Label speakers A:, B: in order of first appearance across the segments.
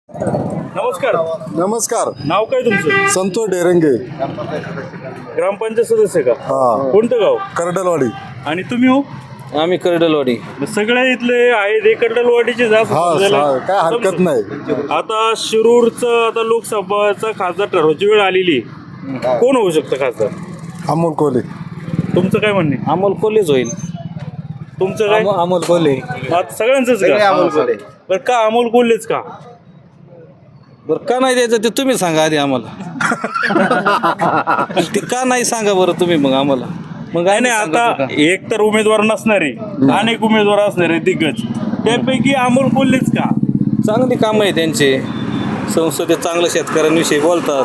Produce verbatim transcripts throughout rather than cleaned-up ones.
A: नमस्कार.
B: नमस्कार.
A: नाव काय तुमचं?
B: संतोष डेरंगे.
A: ग्रामपंचायत सदस्य का?
B: हा.
A: कोणतं गाव?
B: करडलवाडी.
A: आणि तुम्ही हो?
C: आम्ही करडलवाडी.
A: सगळे इथले आहेत हे कर्डलवाडीचे जास्त
B: हा,
A: समजायला-
B: हा, काय हरकत
A: समजू.
B: नाही.
A: आता शिरूरचं आता लोकसभाचा खासदार ठरवायची वेळ आलेली आहे. कोण होऊ शकतं खासदार?
B: अमोल कोले.
A: तुमचं काय म्हणणे?
C: अमोल कोल्हेच होईल.
A: तुमचं काय?
C: अमो- अमोल कोल्हे.
A: आता सगळ्यांचंच का?
C: अमोल कोल्हे.
A: बरं का अमोल कोल्हेच का?
C: बरं का नाही द्यायचं ते तुम्ही सांगा आधी आम्हाला. ते का नाही सांगा बरं तुम्ही मग आम्हाला. मग
A: नाही नाही आता एक तर उमेदवार नसणारे अनेक उमेदवार असणारे दिग्गज, त्यापैकी अमोल कोल्हेच का?
C: चांगली कामं आहे त्यांचे. संसदेत चांगलं शेतकऱ्यांविषयी बोलतात.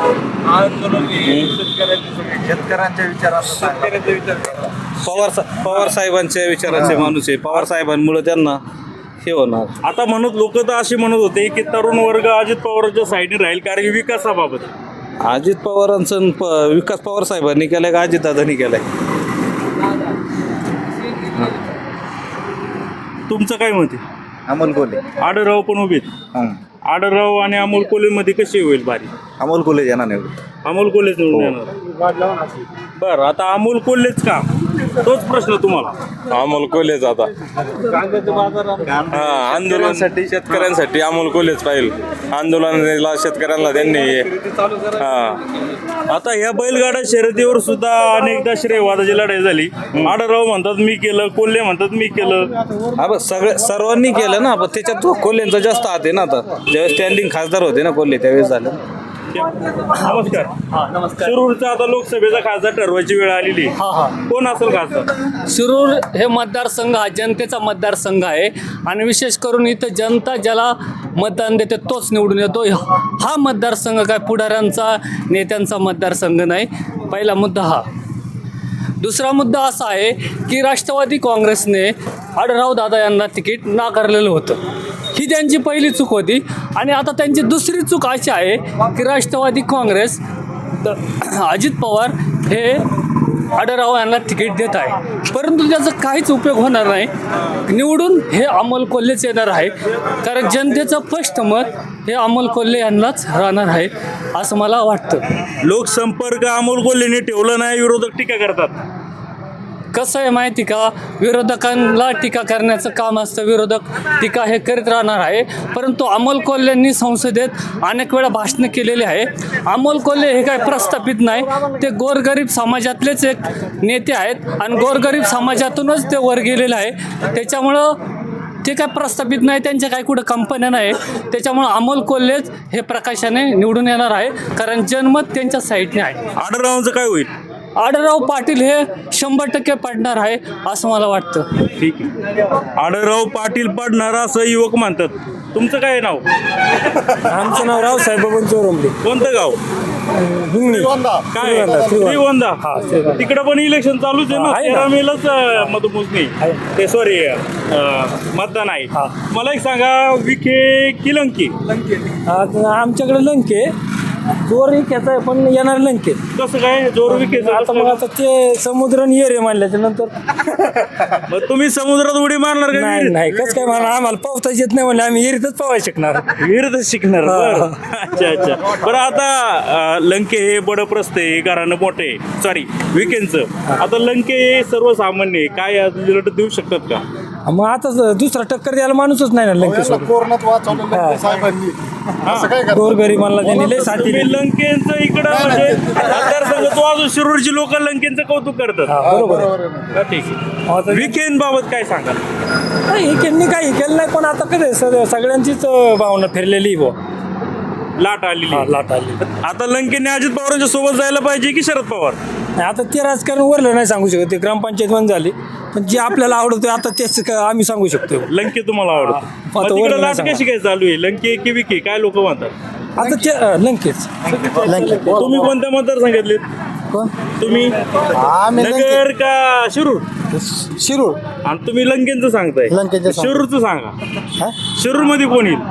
D: शेतकऱ्यांच्या विचारात
C: पवार सा- पवार साहेबांच्या विचाराचे माणूस आहे. पवार साहेबांमुळे त्यांना हे होणार.
A: आता म्हणत लोक तर असे म्हणत होते की तरुण वर्ग अजित पवारांच्या साईडने राहील कारण की विकासाबाबत.
C: अजित पवारांचं आणि प- विकास पवार साहेबांनी केलाय का अजितदादांनी केलाय?
A: तुमचं काय मत आहे?
D: अमोल कोल्हे.
A: आडरराव पण उभे आहेत. आडरराव आणि अमोल कोल्हे मध्ये कशी होईल बारी?
D: अमोल कोल्हे येणार नाही.
A: अमोल कोल्हेच निवडून येणार. बरं आता अमोल कोल्हेच का? तोच प्रश्न तुम्हाला.
E: अमोल कोल्हेच आता हा आंदोलनासाठी शेतकऱ्यांसाठी अमोल कोल्हेच पाहिजे. आंदोलनाला शेतकऱ्यांना त्यांनी हा
A: आता ह्या बैलगाडा शर्यतीवर सुद्धा अनेकदा श्रेयवादाची लढाई झाली. आडरराव म्हणतात मी केलं, कोल्हे म्हणतात मी केलं.
C: हा बघ सगळे सर्वांनी केलं ना, पण त्याच्यात कोल्हेंचा जास्त हात आहे ना. आता ज्यावेळेस स्टँडिंग खासदार होते ना कोल्हे त्यावेळेस झालं.
A: नमस्कार. शिरूरचा आता लोकसभेचा खासदार ठरवायची वेळ आलेली. कोण असेल खासदार?
F: शिरूर हे मतदारसंघ हा जनतेचा मतदारसंघ आहे आणि विशेष करून इथं जनता ज्याला मतदान देते तोच निवडून येतो. हा मतदारसंघ काय पुढाऱ्यांचा नेत्यांचा मतदारसंघ नाही. पहिला मुद्दा हा. दुसरा मुद्दा असा आहे की राष्ट्रवादी काँग्रेसने आडराव दादा यांना तिकीट नाकारलेलं होतं. ही त्यांची पहिली चूक होती. आणि आता त्यांची दुसरी चूक अशी आहे की राष्ट्रवादी काँग्रेस द- अजित पवार हे आडराव यांना तिकीट देत आहे, परंतु त्याचा काहीच उपयोग होणार नाही. निवडून हे अमोल कोल्हेच येणार आहे कारण जनतेचं स्पष्ट मत हे अमोल कोल्हे यांनाच राहणार आहे असं मला वाटतं.
A: लोकसंपर्क अमोल कोल्हेने ठेवलं नाही, विरोधक टीका करतात.
F: कसं आहे माहिती का, विरोधकांना टीका करण्याचं काम असतं. विरोधक टीका हे करीत राहणार आहे, परंतु अमोल कोल्हेंनी संसदेत अनेक वेळा भाषणं केलेली आहे. अमोल कोल्हे हे काय प्रस्थापित नाही, ते गोरगरीब समाजातलेच एक नेते आहेत आणि गोरगरीब समाजातूनच ते वर गेलेले आहे. त्याच्यामुळं ते काय प्रस्थापित नाही, त्यांच्या काही कुठं कंपन्या नाही. त्याच्यामुळं अमोल कोल्हेच हे प्रकाशाने निवडून येणार आहे कारण जनमत त्यांच्या साईडने आहे.
A: आडररावांचं काय होईल?
F: आडरराव पाटील हे शंभर टक्के पडणार आहे असं मला वाटतं.
A: ठीक आहे. आडरराव पाटील पडणार असं युवक म्हणतात. तुमचं काय नाव?
G: आमचं नाव रावसाहेब बबन चोरमले.
A: कोणतं गाव?
G: हिंगणी.
A: काय? श्रीगोंदा. तिकडं पण इलेक्शन चालूच आहे ना.
G: आहे ना.
A: तेरा मेलाच अं, मतमोजणी ते सॉरी मतदान आहे. मला एक सांगा, विखे की लंके?
G: आता आमच्याकडे लंके जोर विक्याचा आहे पण येणार लंके.
A: कसं काय जोर विखेचं?
G: आता मग आता ते समुद्र आणि येरे मानल्याच्या नंतर
A: मग तुम्ही समुद्रात उडी मारणार का?
G: नाही नाही कसं काय म्हणा, आम्हाला पावताच येत नाही म्हणले आम्ही येरीतच पावाय शिकणार.
A: विहिरीतच शिकणार. बरं. अच्छा अच्छा. बरं आता अं, लंके हे बडप्रस्थ आहे, घरानं मोठे सॉरी विकेंडचं. आता लंके हे सर्वसामान्य आहे. काय आज रिझल्ट देऊ शकतात का?
G: मग आता दुसरा टक्कर द्यायला माणूसच नाही ना लंकेसोबत.
B: कोरोनात वाचवलेलं साहेबांनी असं काय करतात?
G: गोरगरिबांना त्यांनी लय साथी
A: तुम्ही
G: दिली.
A: लंकेंचं इकडं म्हणजे मतदारसंघ तो अजून शिरूरची लोक लंकेंचं कौतुक करतात.
G: हा, बरोबर आहे.
A: हा, ठीक आहे. विकेंड बाबत काय सांगाल?
G: नाही, हे त्यांनी काही केलं नाही पण आता कसं आहे, सगळ्यांचीच अं, भावना फिरलेली बुवा.
A: लाट आलेली.
G: हा, लाट आली.
A: आता लंकेने अजित पवारांच्या सोबत जायला पाहिजे की शरद पवार?
G: नाही, आता ते राजकारण वरलं नाही सांगू शकत. ते ग्रामपंचायत बंद झाली पण जे आपल्याला आवडतं आता तेच क- आम्ही सांगू शकतो.
A: लंके तुम्हाला आवडतं?
G: हा.
A: मग
G: आता
A: तिकडे
G: वरून
A: लाट
G: नाही
A: कशी काय चालू आहे? लंके की विके काय लोक म्हणतात?
G: आता ते अं, लंकेच.
A: तुम्ही कोणत्या मतदार सांगितले?
B: कोण?
A: तुम्ही
B: आम्ही
A: नगर का शिरूर?
B: शिरूर.
A: आणि तुम्ही लंकेंचं सांगताय.
B: लंकेंचं सांग.
A: शिरूरचं सांगा.
B: हा?
A: शिरूर मध्ये कोण येईल?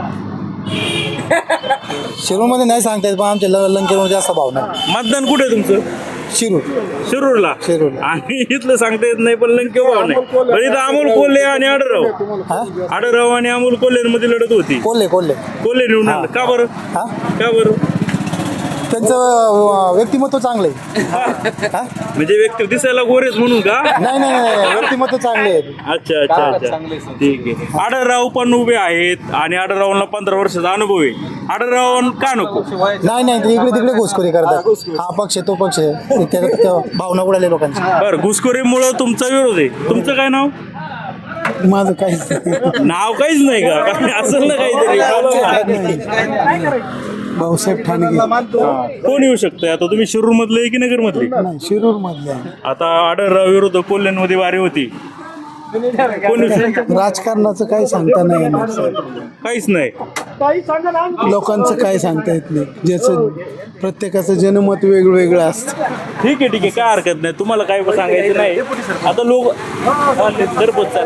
B: शिरूरमध्ये नाही सांगता येत पण आमच्या ल- लंकेमध्ये जास्त भाव नाही.
A: मतदान कुठे आहे तुमचं?
B: शिरूर
A: शिरूरला
B: शिरूरला.
A: आणि इथलं सांगता येत नाही पण लंके भाव नाही पण इथं अमोल कोल्हे आणि आडरराव
B: हा
A: आडरराव आणि अमोल कोल्हेमध्ये लढत होती
B: कोल्हे कोल्हे
A: कोल्हे निवडून आलं. का बरं
B: हा
A: का बरं
B: त्यांचं अं, व्यक्तिमत्व चांगलं आहे हा?
A: म्हणजे व्यक्ती दिसायला गोरेच म्हणून का
B: नाही नाही नाही व्यक्तिमत्व चांगले आहे
A: अच्छा अच्छा अच्छा ठीक आहे आडरराव पण उभे आहेत आणि आडररावला पंधरा वर्षाचा अनुभव आहे आडरराव का नको
B: नाही नाही ते इकडे तिकडे घुसखोरी करतात हा पक्ष आहे, तो पक्ष आहे. त्या- त्या भावना उडाले लोकांची
A: बरं घुसखोरीमुळं तुमचा विरोध आहे तुमचं काय नाव
B: माझं काहीच नाही.
A: नाव काहीच नाही का काय असेल ना काहीतरी
B: भाऊसाहेब ठाणगे
A: कोण येऊ शकतंय आता तुम्ही शिरूर मधले की नगर मधले
B: नाही शिरूर मधले
A: आता आडरराव विरुद्ध कोल्ह्यांमध्ये वारी होती कोण येऊ शकतं?
B: राजकारणाचं काही सांगता नाही येणार सर.
A: काहीच नाही
B: लोकांचं काय सांगता येत नाही ज्याचं प्रत्येकाचं जनमत वेगवेगळं असतं.
A: ठीक आहे ठीक आहे काय हरकत नाही तुम्हाला काय सांगायचं नाही आता लोक घरपोच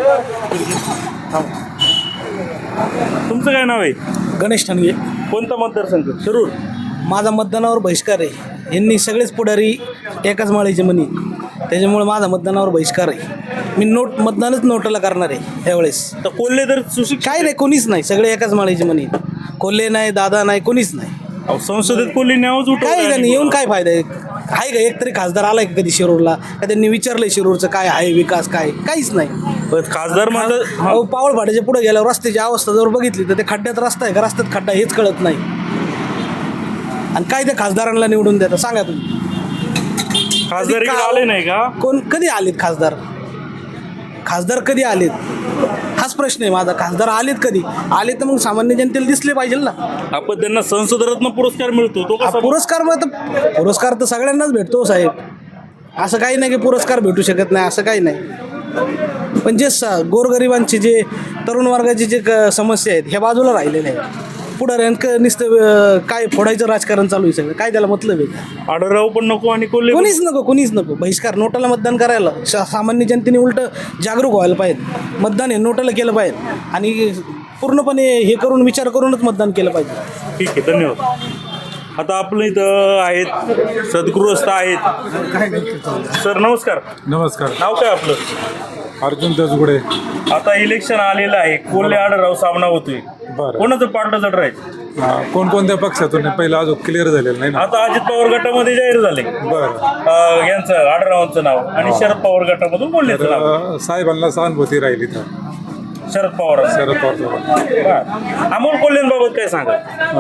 A: तुमचं काय नाव आहे
G: गणेश ठाणगे.
A: कोणता मतदारसंघ शिरूर
G: माझा मतदानावर बहिष्कार आहे. यांनी सगळेच पुढारी एकाच माळीचे म्हणी, त्याच्यामुळे माझा मतदानावर बहिष्कार आहे. मी नोट मतदानच नोटाला करणार आहे त्यावेळेस.
A: तर कोल्हे तर सुशिक्षित
G: काय नाही, कोणीच नाही, सगळे एकाच माळीचे म्हणी. कोल्हे नाही, दादा नाही, कोणीच नाही.
A: अहो, संसदेत कोल्हे नावच
G: काय त्यांनी
A: उठवलं
G: येऊन काय फायदा आहे? आहे का एक तरी खासदार आलाय का कधी शिरूरला? का त्यांनी विचारलंय शिरूरचं काय आहे, विकास काय? काहीच नाही.
A: खासदार माझं
G: अहो, पावळ फाट्याच्या पुढे गेल्यावर रस्त्याची अवस्था जर बघितली तर ते खड्ड्यात रस्ता आहे का रस्त्यात खड्डा हेच कळत नाही. आणि काय त्या खासदारांना निवडून देता सांगा तुम्ही?
A: खासदार इकडे आले नाही का
G: कोण कधी आलेत खासदार? खासदार कधी आलेत हाच प्रश्न आहे माझा. खासदार आलेत कधी? आले तर मग सामान्य जनतेला दिसले पाहिजे ना.
A: आपण त्यांना संसदरत्न पुरस्कार मिळतो तो
G: हा
A: कसा
G: पुरस्कार मग तर पुरस्कार तर सगळ्यांनाच भेटतो साहेब. असं काही नाही की पुरस्कार भेटू शकत नाही, असं काही नाही. पण जे स गोरगरिबांचे जे तरुण वर्गाचे जे क- समस्या आहेत ह्या बाजूला राहिलेल्या आहेत. पुढाऱ्यांक नुसतं अं, काय फोडायचं राजकारण चालू आहे सगळं. काय त्याला मतलब आहे?
A: आडरराव पण नको आणि कोल्हे पण
G: कोणीच नको, कोणीच नको. बहिष्कार, नोटाला मतदान करायला सा- सामान्य जनतेने उलट जागरूक व्हायला पाहिजे. मतदान हे नोटाला केलं पाहिजे आणि पूर्णपणे हे करून विचार करूनच मतदान केलं पाहिजे.
A: ठीक आहे धन्यवाद. आता आपलं इथं आहेत सद्गृहस्थ आहेत. सर नमस्कार.
H: नमस्कार.
A: नाव काय आपलं?
H: अर्जुन दसगुडे.
A: आता इलेक्शन आलेलं आहे कोल्हे आडरराव सामना होतोय
H: बरं.
A: कोणाचं पार्ट जड राहील
H: हा, कोणकोणत्या पक्षातून आहे? पहिलं अजून क्लिअर झालेलं नाही ना.
A: आता अजित पवार गटामध्ये जाहीर झाले
H: बरं.
A: अं, यांचं आडररावांचं नाव आणि शरद पवार गटामधून कोल्हेचं नाव.
H: तर साहेबांना सहानुभूती राहिली तर
A: शरद पवार
H: शरद पवार
A: अमोल कोल्हेंबाबत काय सांगा?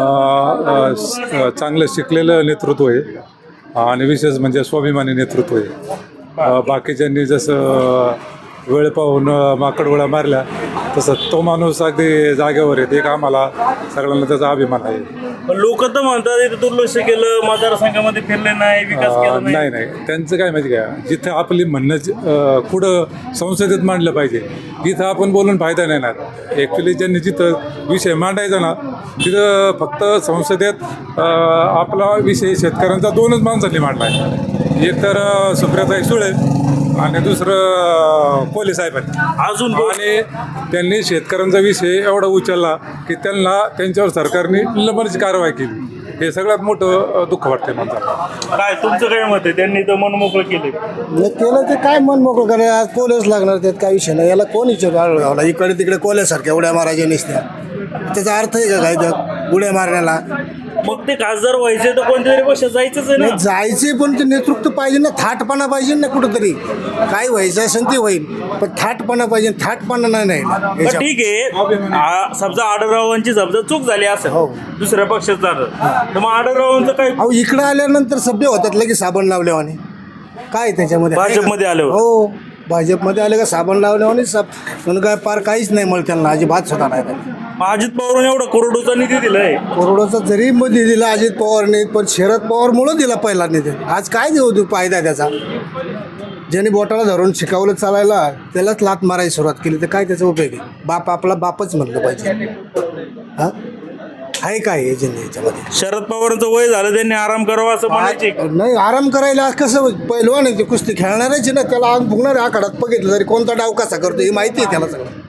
H: चांगलं शिकलेलं नेतृत्व आहे आणि विशेष म्हणजे स्वाभिमानी नेतृत्व आहे. अ, बाकीच्यांनी जसं वेळ पाहून माकडगोळ्या मारल्या तसं तो माणूस अगदी जागेवर आहे. एक आम्हाला सगळ्यांना त्याचा अभिमान आहे.
A: पण लोक तर म्हणतात इथं दुर्लक्ष केलं मतदारसंघामध्ये फिरले नाही विकास केला
H: अ, नाही नाही त्यांचं काय माहिती का, जिथं आपली म्हणणं ज- अ, पुढं संसदेत मांडलं पाहिजे तिथं आपण बोलून फायदा नाही ना. ॲक्च्युली ज्यांनी जिथं विषय मांडायचा ना तिथं फक्त संसदेत अ, आपला विषय शेतकऱ्यांचा दोनच माणसांनी मांडला आहे. एक तर अ, सुप्रियाताई सुळे आणि दुसरं कोल्हे साहेबांनी.
A: अजून
H: आणि त्यांनी शेतकऱ्यांचा विषय एवढा उचलला की त्यांना त्यांच्यावर सरकारने निलंबनाची कारवाई केली. हे सगळ्यात मोठं अ, दुःख वाटतंय मला.
A: काय तुमचं काय मत आहे? त्यांनी तर मन मोकळं केले.
B: हे केलं ते काय मन मोकळं करायला आज कोलेच लागणार त्यात काय विषय नाही. याला कोण विचार इकडे तिकडे कोल्यासारख्या उड्या मारायच्या नसत्या. त्याचा अर्थ आहे का काय त्यात उड्या मारण्याला?
A: मग ते खासदार व्हायचे तर कोणत्या तरी पक्षात जायचंच आहे ना.
B: नाही, जायचे पण ते नेतृत्व पाहिजे ना, थाटपणा पाहिजे ना कुठंतरी. काय व्हायचं असेल ते होईल पण थाटपणा पाहिजे. थाटपणा नाही नाही ना
A: पण
B: याच्या-
A: ठीक आहे आ- समजा आडररावांची समजा चूक झाली असेल
B: हो.
A: दुसऱ्या पक्षात जाणं तर मग आडररावांचं काय
B: अहो इकडं आल्यानंतर सभ्य होतात लगेच साबण लावल्यावाने. काय त्याच्यामध्ये आहे का?
A: भाजपमध्ये आल्यावर?
B: हो भाजपमध्ये आले का साबण लावल्यावाने सब म्हणून काय पार काहीच नाही मला त्यांना अजिबात सुद्धा नाही.
A: मग अजित पवारांनी एवढा करोडोचा निधी दिलाय.
B: करोडोचा जरी मध्ये दिला अजित पवारने पण शरद पवारमुळं दिला पहिला निधी. आज काय देऊ देऊ फायदा त्याचा? ज्याने बोटाला धरून शिकवलं चालायला त्यालाच लात मारायला सुरुवात केली तर काय त्याचा उपयोग आहे? बाप आपला बापच म्हणलं पाहिजे. हां आहे काय एजंट याच्यामध्ये?
A: शरद पवारांचं वय झालं त्यांनी आराम करावा असं म्हणायचे.
B: नाही आराम करायला कसं पहिलवान आहे ते कुस्ती खेळणारच आहे ना. त्याला आग भुगणार आखाड्यात बघितलं तरी कोणता डाव कसा करतो हे माहिती आहे त्याला सगळं.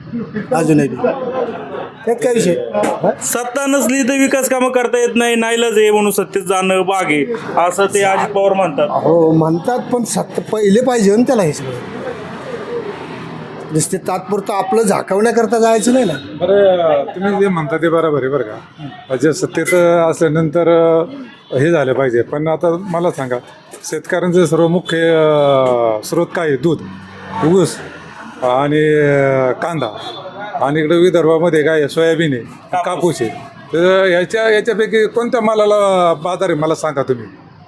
B: अजूनही त्यात काय विषय
A: सत्ता नसली तर विकास कामं करता येत नाही, नाईलाज आहे म्हणून सत्तेत जाणं भाग आहे असं ते अजित पवार म्हणतात.
B: हो म्हणतात, पण सत्ता पहिले पाहिजे ना त्याला हे सगळं. नुसते तात्पुरतं आपलं झाकवण्याकरता जायचं नाही ना.
H: बरं तुम्ही जे म्हणता ते बरोबर आहे बरं का. जे सत्तेत असल्यानंतर हे झालं पाहिजे, पण आता मला सांगा शेतकऱ्यांचे सर्व मुख्य अं, स्रोत काय आहे? दूध, ऊस आणि अं, कांदा, आणि इकडे विदर्भामध्ये काय आहे? सोयाबीन आहे, कापूस आहे. तर याच्या याच्यापैकी कोणत्या मालाला बाजार आहे मला सांगा. तुम्ही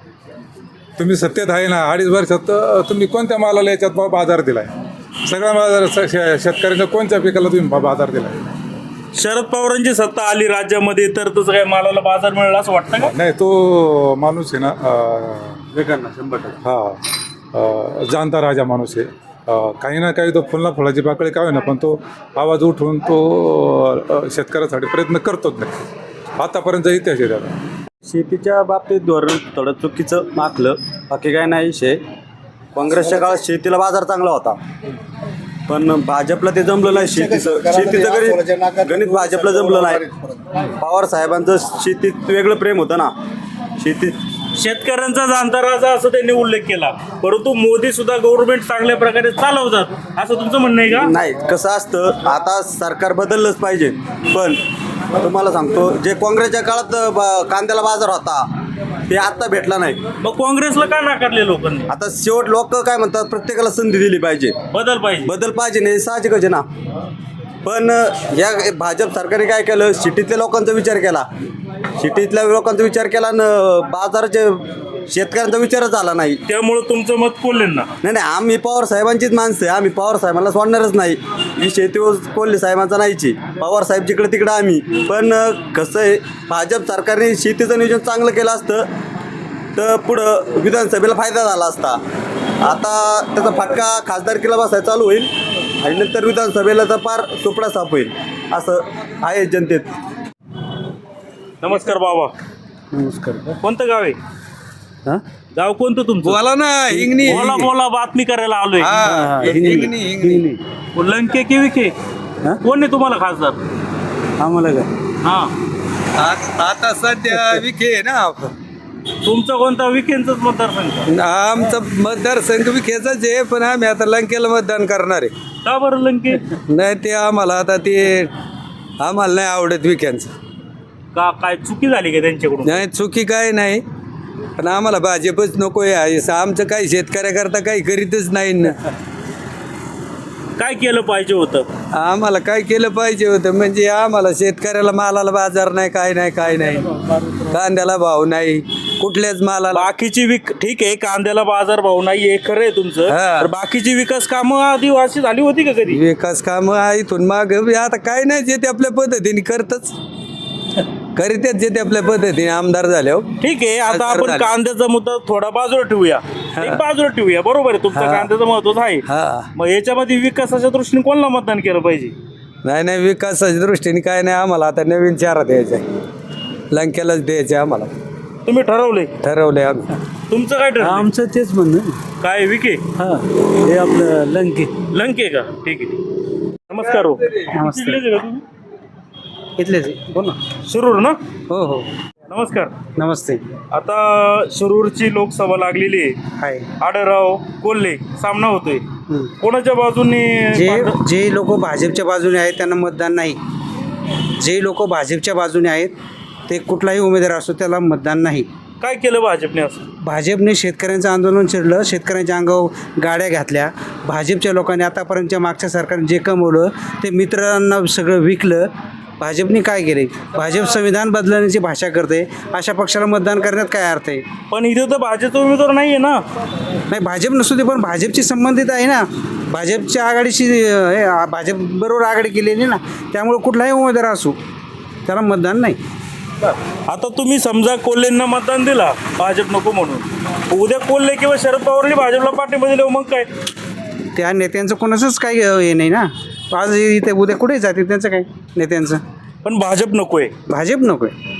H: तुम्ही सत्तेत आहे ना, अडीच वर्षात अं, तुम्ही कोणत्या मालाला याच्यात बा- बाजार दिलाय? सगळ्या बाजार श- श- शेतकऱ्यांच्या कोणत्या पिकाला तुम्ही बा- बाजार दिलाय?
A: शरद पवारांची सत्ता आली राज्यामध्ये तर तसं काय मालाला बाजार मिळाला असं वाटतं का?
H: नाही, तो माणूस आहे ना वेगांना शंभर टक्के हा अं, जाणता राजा माणूस आहे. अं, काही ना काही तो फुलना फुलाची पाकळी काय ना, पण तो आवाज उठवून तो अं, शेतकऱ्यासाठी प्रयत्न करतोच नाही. आतापर्यंत इतिहास आहे त्याला.
I: शेतीच्या बाबतीत धोरण थोडं चुकीचं आखलं, बाकी काय नाही विषय. काँग्रेसच्या काळात शेतीला बाजार चांगला होता, पण भाजपला ते जमलं नाही. शेतीचं शेतीचं गणित गणित भाजपला जमलं नाही. पवार साहेबांचं शेतीत वेगळं प्रेम होतं ना. शेतीत
A: शेतकऱ्यांचा जाणता राजा असं त्यांनी उल्लेख केला, परंतु मोदी सुद्धा गव्हर्नमेंट चांगल्या प्रकारे चालवतात असं तुमचं म्हणणं आहे का?
I: नाही, कसं असतं आता सरकार बदललंच पाहिजे, पण तुम्हाला सांगतो जे काँग्रेसच्या काळात ब- कांद्याला बाजार होता ते आत्ता भेटला नाही.
A: मग काँग्रेसला का नाकारले लोकांनी?
I: आता शेवट लोक काय म्हणतात, प्रत्येकाला संधी दिली पाहिजे,
A: बदल पाहिजे.
I: बदल पाहिजे नाही, साहजिकच आहे ना. पण या भाजप सरकारने काय केलं, सिटीतल्या लोकांचा विचार केला, सिटीतल्या लोकांचा विचार केला न बाजाराच्या शेतकऱ्यांचा विचारच झाला नाही.
A: त्यामुळे तुमचं मत कोल्हेंना?
I: नाही नाही, आम्ही पवार साहेबांचीच माणसं आहे, आम्ही पवार साहेबांना सोडणारच नाही. ही शेतीवर कोल्हे साहेबांचा नाहीची, पवार साहेब जिकडे तिकडं आम्ही. पण कसं आहे, भाजप सरकारने शेतीचं नियोजन चांगलं केलं असतं तर पुढं विधानसभेला फायदा झाला असता. आता त्याचा फटका खासदारकीला बसायला चालू होईल आणि नंतर विधानसभेला तर फार सुपडा साफ होईल असं आहे जनतेत.
A: नमस्कार बाबा.
G: नमस्कार.
A: कोणतं गाव आहे? गाव कोणतं तुमचं?
C: बोला ना, हिंगणी
A: बोला बोला, बातमी करायला आलोय.
C: हिंगणी हिंगणी
A: लंके की विखे कोण आहे तुम्हाला खासदार?
G: आम्हाला काय
A: हा,
C: आता सध्या विखे ना.
A: तुमचा कोणता? विखेंचंच मतदारसंघ?
C: आमचा मतदारसंघ विखेचाच आहे, पण आम्ही आता लंकेला मतदान करणार आहे.
A: का बरं लंके?
C: नाही, ते आम्हाला आता ते आम्हाला नाही आवडत विख्यांचं.
A: का काय चुकी झाली का त्यांच्याकडून?
C: नाही, चुकी काय नाही, पण आम्हाला भाजपच नको आहे. आमचं काही शेतकऱ्याकरता काही करीतच नाही ना.
A: काय केलं पाहिजे होतं?
C: आम्हाला काय केलं पाहिजे होतं म्हणजे आम्हाला शेतकऱ्याला मालाला बाजार नाही, काय नाही काय नाही, कांद्याला भाव नाही, कुठल्याच मालाला.
A: बाकीची विक ठीक आहे, कांद्याला बाजार भाव नाही हे खरं आहे तुमचं,
C: हा.
A: तर बाकीची विकास कामं आधी अशी झाली होती का कधी?
C: विकास कामं इथून माग आता काय नाही, जे ते आपल्या पद्धतीने करतच करीतच, जे ते आपल्या पद्धतीने आमदार झाले. हो,
A: ठीक आहे, आता
C: खासदार
A: आपण
C: झाले.
A: कांद्याचा मुद्दा थोडा बाजूला ठेवूया, एक बाजूला ठेवूया, बरोबर आहे, तुमचा
C: हा.
A: कांद्याचं महत्वच आहे.
C: हा.
A: मग याच्यामध्ये विकासाच्या दृष्टीने कोणाला मतदान केलं पाहिजे?
C: नाही नाही, विकासाच्या दृष्टीने काय नाही, आम्हाला आता नवीन चारा द्यायचा आहे, लंकेलाच द्यायचं आहे आम्हाला.
A: तुम्ही ठरवले?
C: ठरवलंय आम्ही.
A: तुमचं काय ठरलं?
G: आमचं तेच म्हणणं.
A: काय विके?
G: हां, हे आपलं लंके.
A: लंके का? ठीक आहे. नमस्कार हो.
G: नमस्ते.
A: इथलेच आहे का तुम्ही?
G: इथलेच बोल ना.
A: शिरूर ना?
G: हो हो,
A: नमस्कार.
G: नमस्ते.
A: आता शिरूरची लोकसभा लागलेली आहे.
G: हाय.
A: आढळराव कोल्हे सामना होतोय. कोणाच्या बाजूने?
J: जे जे लोक भाजपच्या बाजूने आहेत त्यांना मतदान नाही. जे लोक भाजपच्या बाजूने आहेत ते कुठलाही उमेदवार असतो त्याला मतदान नाही.
A: काय केलं भाजपने असं?
J: भाजपने शेतकऱ्यांचं आंदोलन छेडलं, शेतकऱ्यांच्या अंगावर गाड्या घातल्या. भाजपच्या लोकांनी आतापर्यंतच्या मागच्या सरकारने जे कमवलं ते मित्रांना सगळं विकलं. भाजपने काय केले? भाजप संविधान बदलण्याची भाषा करते. अशा पक्षाला मतदान करण्यात काय अर्थ आहे?
A: पण इथे तर भाजपचा उमेदवार नाही आहे ना.
J: नाही, भाजप नसू दे, पण भाजपची संबंधित आहे ना, भाजपच्या आघाडीशी हे भाजपबरोबर आघाडी केलेली ना, त्यामुळे कुठलाही उमेदवार असू त्याला मतदान नाही.
A: आता तुम्ही समजा कोल्हेंना मतदान दिला भाजप नको म्हणून, उद्या कोल्हे किंवा शरद पवारने भाजपला पाठिंबा दिला, मग काय?
J: त्या नेत्यांचं कोणाचंच काही हे नाही ना. आज इथे उद्या कुठे जाते त्यांचं काय नेत्यांचं?
A: पण भाजप नकोय.
J: भाजप नको आहे.